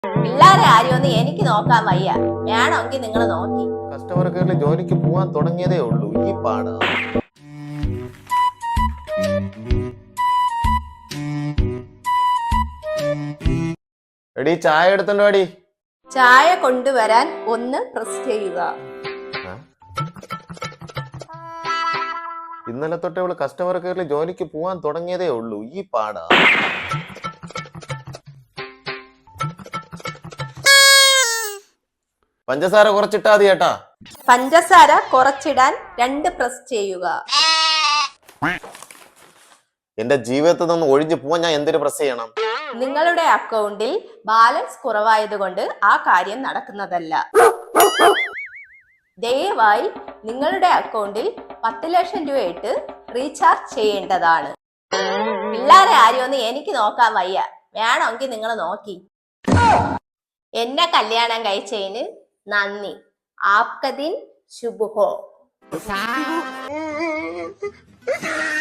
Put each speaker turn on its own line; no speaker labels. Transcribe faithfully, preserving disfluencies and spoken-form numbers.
പിള്ളേരെ ആരെയൊന്നും എനിക്ക് നോക്കാൻ വയ്യ. വേണമെങ്കിൽ നിങ്ങൾ നോക്കി.
കസ്റ്റമർ കെയറിൽ ജോലിക്ക് പോവാൻ തുടങ്ങിയതേ ഉള്ളൂ, ഈ പാടാ. എടി ചായ എടുത്തോ അടി.
ചായ കൊണ്ടുവരാൻ ഒന്ന് പ്രസ് ചെയ്യുക.
ഇന്നലെ തൊട്ട് ഇവള് കസ്റ്റമർ കെയറിൽ ജോലിക്ക് പോവാൻ തുടങ്ങിയതേ ഉള്ളൂ, ഈ പാടാ. പഞ്ചസാര കുറച്ചിട്ടാ മതി ചേട്ടാ.
പഞ്ചസാര കുറച്ചിടാൻ രണ്ട് പ്രസ് ചെയ്യുക.
എന്റെ ജീവിതത്തിൽ നിന്ന് ഒഴിഞ്ഞു പോവാൻ ഞാൻ എന്തൊരു പ്രസ് ചെയ്യണം?
നിങ്ങളുടെ അക്കൗണ്ടിൽ ബാലൻസ് കുറവായതുകൊണ്ട് ആ കാര്യം നടക്കുന്നതല്ല. ദയവായി നിങ്ങളുടെ അക്കൗണ്ടിൽ പത്ത് ലക്ഷം രൂപ ഇട്ട് റീചാർജ് ചെയ്യേണ്ടതാണ്. പിള്ളേരെ ആരെയൊന്നും എനിക്ക് നോക്കാൻ വയ്യ. വേണമെങ്കിൽ നിങ്ങൾ നോക്കി. എന്നെ കല്യാണം കഴിച്ചതിന് നന്ദി. ആപ്ക ദിൻ ശുഭ ഹോ.